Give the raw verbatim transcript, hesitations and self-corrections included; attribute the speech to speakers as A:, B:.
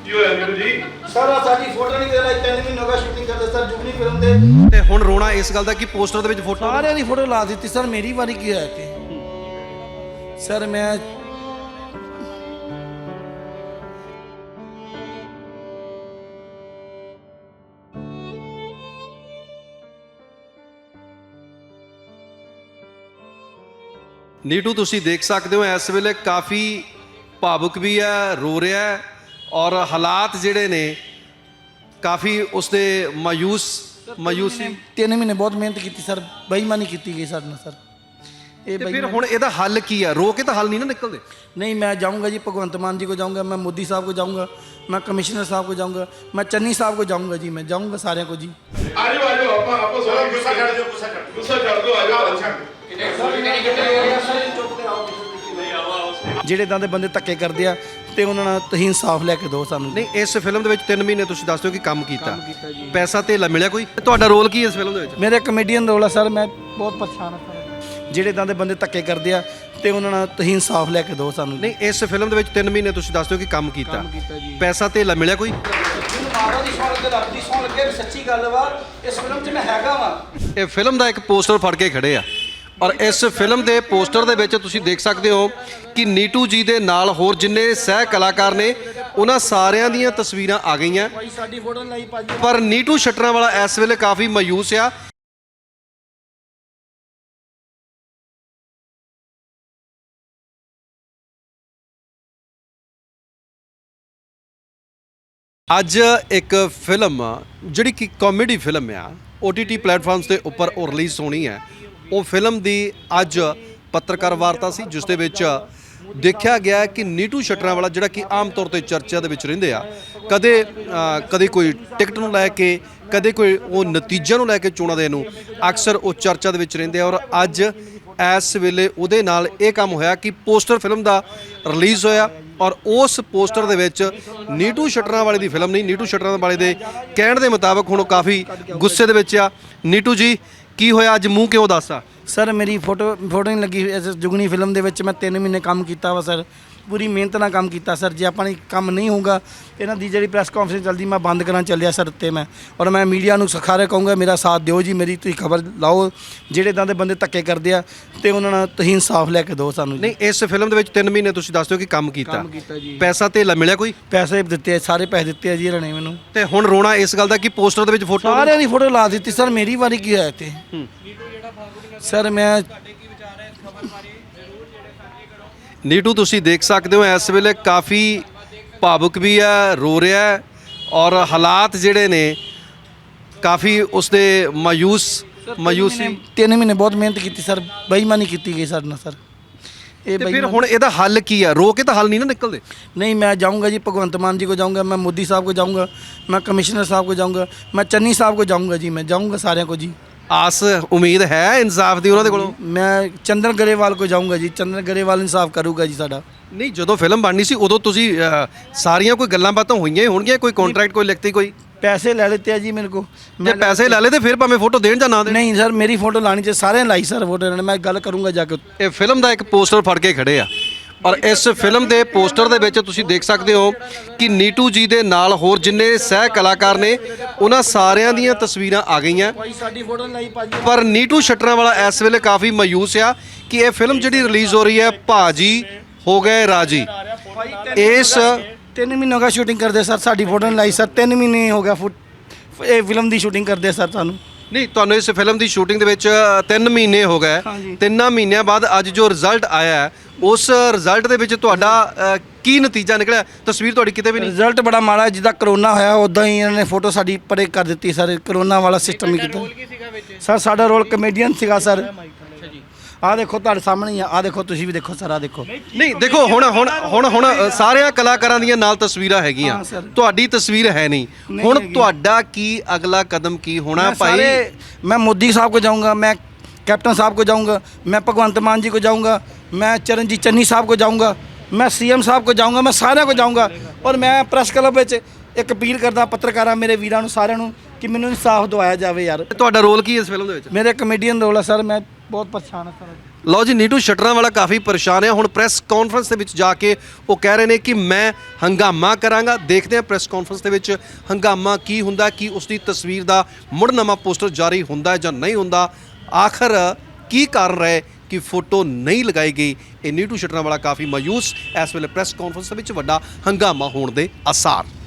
A: ਕੀ ਹੋਇਆ ਨੀਰੂ ਜੀ?
B: ਸਰ ਸਾਡੀ ਫੋਟੋ ਨਹੀਂ ਦੇ ਰਹੇ, ਤਿੰਨ ਮਹੀਨੇ ਹੋ ਗਏ ਸ਼ੂਟਿੰਗ ਕਰਦੇ ਸਰ ਜੁਗਨੀ ਫਿਲਮ ਦੇ।
C: ਤੇ ਹੁਣ ਰੋਣਾ ਇਸ ਗੱਲ ਦਾ ਕਿ ਪੋਸਟਰ ਦੇ ਵਿੱਚ ਫੋਟੋ
B: ਸਾਰਿਆਂ ਦੀ ਫੋਟੋ ਲਾ ਦਿੱਤੀ ਸਰ, ਮੇਰੀ ਵਾਰੀ ਕੀ ਹੋਇਆ ਤੇ ਸਰ ਮੈਂ
C: ਨੀਟੂ ਤੁਸੀਂ ਦੇਖ ਸਕਦੇ ਹੋ ਇਸ ਵੇਲੇ ਕਾਫੀ ਭਾਵੁਕ ਵੀ ਹੈ, ਰੋ ਰਿਹਾ ਹੈ ਔਰ ਹਾਲਾਤ ਜਿਹੜੇ ਨੇ ਕਾਫੀ ਉਸਦੇ ਮਾਯੂਸ ਮਾਯੂਸੀ।
B: ਤਿੰਨ ਮਹੀਨੇ ਬਹੁਤ ਮਿਹਨਤ ਕੀਤੀ ਸਰ, ਬੇਈਮਾਨੀ ਕੀਤੀ ਗਈ ਸਾਡੇ ਨਾਲ ਸਰ। ਇਹ
C: ਤੇ ਫਿਰ ਹੁਣ ਇਹਦਾ ਹੱਲ ਕੀ ਹੈ? ਰੋ ਕੇ ਤਾਂ ਹੱਲ ਨਹੀਂ ਨਾ ਨਿਕਲਦੇ।
B: नहीं मैं जाऊंगा जी, भगवंत मान जी को जाऊंगा, मैं मोदी साहब को जाऊंगा, मैं कमिश्नर साहब को जाऊंगा, मैं चन्नी साहब को जाऊंगा जी, मैं जाऊंगा सारे को जी।
A: ਆ ਜਾਓ ਆ ਜਾਓ ਆਪਾਂ ਆਪਾਂ ਸਾਰਾ ਗੁੱਸਾ ਛੱਡ ਦਿਓ, ਗੁੱਸਾ ਛੱਡ ਗੁੱਸਾ ਛੱਡ ਦਿਓ, ਆ ਜਾਓ ਅੱਛਾ।
B: ਜਿਹੜੇ ਇਦਾਂ ਦੇ ਬੰਦੇ ਧੱਕੇ ਕਰਦੇ ਆ ਤੇ ਉਹਨਾਂ ਨਾਲ ਤੁਸੀਂ ਇਨਸਾਫ ਲੈ ਕੇ ਦਿਓ ਸਾਨੂੰ।
C: ਨਹੀਂ ਇਸ ਫਿਲਮ ਦੇ ਵਿੱਚ ਤਿੰਨ ਮਹੀਨੇ ਤੁਸੀਂ ਦੱਸ ਦਿਓ ਕਿ ਕੰਮ ਕੀਤਾ, ਪੈਸਾ ਧੇਲਾ ਮਿਲਿਆ ਕੋਈ? ਤੁਹਾਡਾ ਰੋਲ ਕੀ ਹੈ ਇਸ ਫਿਲਮ ਦੇ ਵਿੱਚ?
B: ਮੇਰਾ ਕਮੇਡੀਅਨ ਰੋਲ ਆ ਸਰ, ਮੈਂ ਬਹੁਤ ਪਰੇਸ਼ਾਨ ਹਾਂ ਸਰ। ਜਿਹੜੇ ਇਦਾਂ ਦੇ ਬੰਦੇ ਧੱਕੇ ਕਰਦੇ ਆ ਤੇ ਉਹਨਾਂ ਨਾਲ ਤੁਸੀਂ ਇਨਸਾਫ ਲੈ ਕੇ ਦਿਓ ਸਾਨੂੰ।
C: ਨਹੀਂ ਇਸ ਫਿਲਮ ਦੇ ਵਿੱਚ ਤਿੰਨ ਮਹੀਨੇ ਤੁਸੀਂ ਦੱਸ ਦਿਓ ਕਿ ਕੰਮ ਕੀਤਾ, ਪੈਸਾ ਧੇਲਾ ਮਿਲਿਆ ਕੋਈ?
B: ਮਾਰਾ ਦੀ ਸੌਣ ਲੱਗੇ, ਰੱਬ ਦੀ ਸੌਣ ਲੱਗੇ, ਸੱਚੀ ਗੱਲ ਵਾ, ਇਸ ਫਿਲਮ 'ਚ ਮੈਂ ਹੈਗਾ ਵਾ।
C: ਇਹ ਫਿਲਮ ਦਾ ਇੱਕ ਪੋਸਟਰ ਫੜ ਕੇ ਖੜੇ ਆ ਔਰ ਇਸ ਫਿਲਮ ਦੇ ਪੋਸਟਰ ਦੇ ਵਿੱਚ ਤੁਸੀਂ ਦੇਖ ਸਕਦੇ ਹੋ ਕਿ ਨੀਟੂ ਜੀ ਦੇ ਨਾਲ ਹੋਰ ਜਿੰਨੇ ਸਹਿ ਕਲਾਕਾਰ ਨੇ ਉਹਨਾਂ ਸਾਰਿਆਂ ਦੀਆਂ ਤਸਵੀਰਾਂ ਆ ਗਈਆਂ,
B: ਭਾਈ ਸਾਡੀ ਫੋਟੋ ਲਾਈ ਭਾਜੀ।
C: ਪਰ ਨੀਟੂ ਸ਼ਟਰਾਂ ਵਾਲਾ ਇਸ ਵੇਲੇ ਕਾਫੀ ਮਾਯੂਸ ਆ। ਅੱਜ ਇੱਕ ਫਿਲਮ ਜਿਹੜੀ ਕਿ ਕਾਮੇਡੀ ਫਿਲਮ ਆ, ਓ ਟੀ ਟੀ ਪਲੇਟਫਾਰਮਸ ਦੇ ਉੱਪਰ ਉਹ ਰਿਲੀਜ਼ ਹੋਣੀ ਹੈ। ਉਹ ਫਿਲਮ ਦੀ ਅੱਜ ਪੱਤਰਕਾਰ ਵਾਰਤਾ ਸੀ ਜਿਸ ਦੇ ਵਿੱਚ ਦੇਖਿਆ ਗਿਆ ਕਿ ਨੀਟੂ ਸ਼ਟਰਾਂ ਵਾਲਾ ਜਿਹੜਾ ਕਿ ਆਮ ਤੌਰ ਤੇ ਚਰਚਾ ਦੇ ਵਿੱਚ ਰਹਿੰਦੇ ਆ, ਕਦੇ ਕਦੇ ਕੋਈ ਟਿਕਟ ਨੂੰ ਲੈ ਕੇ, ਕਦੇ ਕੋਈ ਉਹ ਨਤੀਜਿਆਂ ਨੂੰ ਲੈ ਕੇ ਚੋਣਾਂ ਦੇ ਨੂੰ ਅਕਸਰ ਉਹ ਚਰਚਾ ਦੇ ਵਿੱਚ ਰਹਿੰਦੇ ਆ। ਔਰ ਅੱਜ ਇਸ ਵੇਲੇ ਉਹਦੇ ਨਾਲ ਇਹ ਕੰਮ ਹੋਇਆ ਕਿ ਪੋਸਟਰ ਫਿਲਮ ਦਾ ਰਿਲੀਜ਼ ਹੋਇਆ ਔਰ ਉਸ ਪੋਸਟਰ ਦੇ ਵਿੱਚ ਨੀਟੂ ਸ਼ਟਰਾਂ ਵਾਲੇ ਦੀ ਫਿਲਮ ਨਹੀਂ, ਨੀਟੂ ਸ਼ਟਰਾਂ ਵਾਲੇ ਦੇ ਕਹਿਣ ਦੇ ਮੁਤਾਬਕ ਹੁਣ ਉਹ ਕਾਫੀ ਗੁੱਸੇ ਦੇ ਵਿੱਚ ਆ। ਨੀਟੂ ਜੀ ਕੀ ਹੋਇਆ ਅੱਜ, ਮੂੰਹ ਕਿਉਂ ਦੱਸਾ?
B: ਸਰ ਮੇਰੀ ਫੋਟੋ ਫੋਟੋ ਨਹੀਂ ਲੱਗੀ ਇਸ ਜੁਗਨੀ ਫਿਲਮ ਦੇ ਵਿੱਚ। ਮੈਂ ਤਿੰਨ ਮਹੀਨੇ ਕੰਮ ਕੀਤਾ ਵਾ ਸਰ, ਪੂਰੀ ਮਿਹਨਤ ਨਾਲ ਕੰਮ ਕੀਤਾ ਸਰ। ਜੇ ਆਪਾਂ ਨੇ ਕੰਮ ਨਹੀਂ ਹੋਊਗਾ, ਇਹਨਾਂ ਦੀ ਜਿਹੜੀ ਪ੍ਰੈਸ ਕਾਨਫਰੰਸ ਚੱਲਦੀ ਮੈਂ ਬੰਦ ਕਰਨ ਚੱਲਿਆ ਸਰ ਉੱਤੇ ਮੈਂ। ਔਰ ਮੈਂ ਮੀਡੀਆ ਨੂੰ ਸਾਰੇ ਕਹੂੰਗਾ ਮੇਰਾ ਸਾਥ ਦਿਓ ਜੀ, ਮੇਰੀ ਤੁਸੀਂ ਖਬਰ ਲਾਓ। ਜਿਹੜੇ ਇਦਾਂ ਦੇ ਬੰਦੇ ਧੱਕੇ ਕਰਦੇ ਆ ਤੇ ਉਹਨਾਂ ਨਾਲ ਤੁਸੀਂ ਇਨਸਾਫ ਲੈ ਕੇ ਦਿਓ ਸਾਨੂੰ।
C: ਨਹੀਂ ਇਸ ਫਿਲਮ ਦੇ ਵਿੱਚ ਤਿੰਨ ਮਹੀਨੇ ਤੁਸੀਂ ਦੱਸ ਦਿਓ ਕਿ ਕੰਮ ਕੀਤਾ, ਪੈਸਾ ਧੇਲਾ ਮਿਲਿਆ ਕੋਈ?
B: ਪੈਸੇ ਦਿੱਤੇ, ਸਾਰੇ ਪੈਸੇ ਦਿੱਤੇ ਆ ਜੀ ਇਹਨਾਂ ਨੇ ਮੈਨੂੰ।
C: ਤੇ ਹੁਣ ਰੋਣਾ ਇਸ ਗੱਲ ਦਾ ਕਿ ਪੋਸਟਰ ਦੇ ਵਿੱਚ ਫੋਟੋ
B: ਸਾਰਿਆਂ ਦੀ ਫੋਟੋ ਲਾ ਦਿੱਤੀ ਸਰ, ਮੇਰੀ ਵਾਰੀ ਕੀ ਹੋਇਆ ਤੇ ਸਰ ਮੈਂ।
C: ਨੀਟੂ ਤੁਸੀਂ ਦੇਖ ਸਕਦੇ ਹੋ ਇਸ ਵੇਲੇ ਕਾਫੀ ਭਾਵੁਕ ਵੀ ਹੈ, ਰੋ ਰਿਹਾ ਹੈ ਔਰ ਹਾਲਾਤ ਜਿਹੜੇ ਨੇ ਕਾਫੀ ਉਸਦੇ ਮਾਯੂਸ ਮਾਯੂਸੀ।
B: ਤਿੰਨ ਮਹੀਨੇ ਬਹੁਤ ਮਿਹਨਤ ਕੀਤੀ ਸਰ, ਬੇਈਮਾਨੀ ਕੀਤੀ ਗਈ ਸਾਡੇ ਨਾਲ ਸਰ। ਇਹ
C: ਤੇ ਫਿਰ ਹੁਣ ਇਹਦਾ ਹੱਲ ਕੀ ਹੈ? ਰੋ ਕੇ ਤਾਂ ਹੱਲ ਨਹੀਂ ਨਾ ਨਿਕਲਦੇ।
B: नहीं मैं जाऊंगा जी, भगवंत मान जी को जाऊंगा, मैं मोदी साहब को जाऊंगा, मैं कमिश्नर साहब को जाऊंगा, मैं चन्नी साहब को जाऊंगा जी, मैं जाऊंगा सारे को जी।
C: ਆਸ ਉਮੀਦ ਹੈ ਇਨਸਾਫ ਦੀ ਉਹਨਾਂ ਦੇ ਕੋਲੋਂ?
B: मैं चंदन गरेवाल को जाऊंगा जी, चंदन गरेवाल इंसाफ करूँगा जी साडा।
C: ਨਹੀਂ ਜਦੋਂ ਫਿਲਮ ਬਣਨੀ ਸੀ ਉਦੋਂ ਤੁਸੀਂ ਅ, ਸਾਰੀਆਂ ਕੋਈ ਗੱਲਾਂ ਬਾਤਾਂ ਹੋਈਆਂ ਹੀ ਹੋਣਗੀਆਂ, ਕੋਈ ਕੰਟਰੈਕਟ ਕੋਈ ਲਿਖਤੀ ਕੋਈ?
B: पैसे ले लेते हैं जी मेरे को।
C: ਜੇ ਪੈਸੇ ਲੈ ਲਏ ਤੇ ਫਿਰ ਭਾਵੇਂ ਫੋਟੋ ਦੇਣ ਜਾਂ ਨਾ ਦੇਣ।
B: नहीं सर मेरी फोटो लानी चाहिए, सारे लाई सर फोटो, मैं गल करूँगा जाके।
C: ਇਹ ਫਿਲਮ ਦਾ ਇੱਕ ਪੋਸਟਰ ਫੜ ਕੇ ਖੜੇ ਆ ਔਰ ਇਸ ਫਿਲਮ ਦੇ ਪੋਸਟਰ ਦੇ ਵਿੱਚ ਤੁਸੀਂ ਦੇਖ ਸਕਦੇ ਹੋ ਕਿ ਨੀਟੂ ਜੀ ਦੇ ਨਾਲ ਹੋਰ ਜਿੰਨੇ ਸਹਿ ਕਲਾਕਾਰ ਨੇ ਉਹਨਾਂ ਸਾਰਿਆਂ ਦੀਆਂ ਤਸਵੀਰਾਂ ਆ ਗਈਆਂ,
B: भाई साडी फोटो लाई भाजी।
C: ਪਰ ਨੀਟੂ ਸ਼ਟਰਾਂ ਵਾਲਾ ਇਸ ਵੇਲੇ ਕਾਫੀ ਮਾਯੂਸ ਆ ਕਿ ਇਹ ਫਿਲਮ ਜਿਹੜੀ ਰਿਲੀਜ਼ ਹੋ ਰਹੀ ਹੈ ਭਾਜੀ ਹੋ ਗਏ ਰਾਜੀ। ਇਸ
B: तीन महीने हो गया शूटिंग करते सर, साडी फोटो नहीं लाई सर। तीन महीने हो गया फुट ये फिल्म की शूटिंग करते सर सानू।
C: ਨਹੀਂ ਤੁਹਾਨੂੰ ਇਸ ਫਿਲਮ ਦੀ ਸ਼ੂਟਿੰਗ ਦੇ ਵਿੱਚ ਤਿੰਨ ਮਹੀਨੇ ਹੋ ਗਏ। ਤਿੰਨਾਂ ਮਹੀਨਿਆਂ ਬਾਅਦ ਅੱਜ ਜੋ ਰਿਜ਼ਲਟ ਆਇਆ ਹੈ, ਉਸ ਰਿਜ਼ਲਟ ਦੇ ਵਿੱਚ ਤੁਹਾਡਾ ਅ, ਕੀ ਨਤੀਜਾ ਨਿਕਲਿਆ? ਤਸਵੀਰ ਤੁਹਾਡੀ ਕਿਤੇ ਵੀ ਨਹੀਂ।
B: ਰਿਜ਼ਲਟ ਬੜਾ ਮਾੜਾ, ਜਿੱਦਾਂ ਕਰੋਨਾ ਹੋਇਆ ਉਦਾਂ ਹੀ ਇਹਨਾਂ ਨੇ ਫੋਟੋ ਸਾਡੀ ਪਰੇ ਕਰ ਦਿੱਤੀ ਸਰ। ਕਰੋਨਾ ਵਾਲਾ ਸਿਸਟਮ ਹੀ ਕੀਤਾ ਸਰ। ਸਾਡਾ ਰੋਲ ਕਮੇਡੀਅਨ ਸੀਗਾ ਸਰ। ਆਹ ਦੇਖੋ ਤੁਹਾਡੇ ਸਾਹਮਣੇ ਹੀ ਆ, ਆਹ ਦੇਖੋ ਤੁਸੀਂ ਵੀ ਦੇਖੋ ਸਰ, ਆਹ ਦੇਖੋ।
C: ਨਹੀਂ ਦੇਖੋ ਹੁਣ ਹੁਣ ਹੁਣ ਹੁਣ ਸਾਰਿਆਂ ਕਲਾਕਾਰਾਂ ਦੀਆਂ ਨਾਲ ਤਸਵੀਰਾਂ ਹੈਗੀਆਂ, ਤੁਹਾਡੀ ਤਸਵੀਰ ਹੈ ਨਹੀਂ। ਹੁਣ ਤੁਹਾਡਾ ਕੀ ਅਗਲਾ ਕਦਮ ਕੀ ਹੋਣਾ ਭਾਈ?
B: मैं मोदी साहब को जाऊंगा, मैं कैप्टन साहब को जाऊंगा, मैं भगवंत मान जी को जाऊंगा, मैं चरणजीत चन्नी साहब को जाऊंगा, मैं सीएम साहब को जाऊंगा, मैं सारे को जाऊंगा। और मैं प्रेस क्लब ਵਿੱਚ ਇੱਕ ਅਪੀਲ ਕਰਦਾ ਪੱਤਰਕਾਰਾਂ ਮੇਰੇ ਵੀਰਾਂ ਨੂੰ ਸਾਰਿਆਂ ਨੂੰ ਕਿ ਮੈਨੂੰ ਇਨਸਾਫ ਦਿਵਾਇਆ ਜਾਵੇ ਯਾਰ।
C: ਤੁਹਾਡਾ ਰੋਲ ਕੀ ਹੈ ਇਸ ਫਿਲਮ ਦੇ ਵਿੱਚ?
B: ਮੇਰੇ ਕਮੇਡੀਅਨ ਰੋਲ ਹੈ ਸਰ, ਮੈਂ ਬਹੁਤ ਪਰੇਸ਼ਾਨ ਹਾਂ ਸਰ।
C: ਲਓ ਜੀ, ਨੀਟੂ ਸ਼ਟਰਾਂ ਵਾਲਾ ਕਾਫੀ ਪਰੇਸ਼ਾਨ ਹੈ। ਹੁਣ ਪ੍ਰੈਸ ਕਾਨਫਰੰਸ ਦੇ ਵਿੱਚ ਜਾ ਕੇ ਉਹ ਕਹਿ ਰਹੇ ਨੇ ਕਿ ਮੈਂ ਹੰਗਾਮਾ ਕਰਾਂਗਾ। ਦੇਖਦੇ ਹਾਂ ਪ੍ਰੈਸ ਕਾਨਫਰੰਸ ਦੇ ਵਿੱਚ ਹੰਗਾਮਾ ਕੀ ਹੁੰਦਾ, ਕੀ ਉਸ ਦੀ ਤਸਵੀਰ ਦਾ ਮੁੜ ਨਵਾਂ ਪੋਸਟਰ ਜਾਰੀ ਹੁੰਦਾ ਹੈ ਜਾਂ ਨਹੀਂ ਹੁੰਦਾ। ਆਖਰ ਕੀ ਕਾਰਨ ਰਹੇ ਕਿ ਫੋਟੋ ਨਹੀਂ ਲਗਾਈ ਗਈ। ਇਹ ਨੀਟੂ ਸ਼ਟਰਾਂ ਵਾਲਾ ਕਾਫੀ ਮਾਯੂਸ। ਇਸ ਵੇਲੇ ਪ੍ਰੈਸ ਕਾਨਫਰੰਸ ਦੇ ਵਿੱਚ ਵੱਡਾ ਹੰਗਾਮਾ ਹੋਣ ਦੇ ਆਸਾਰ।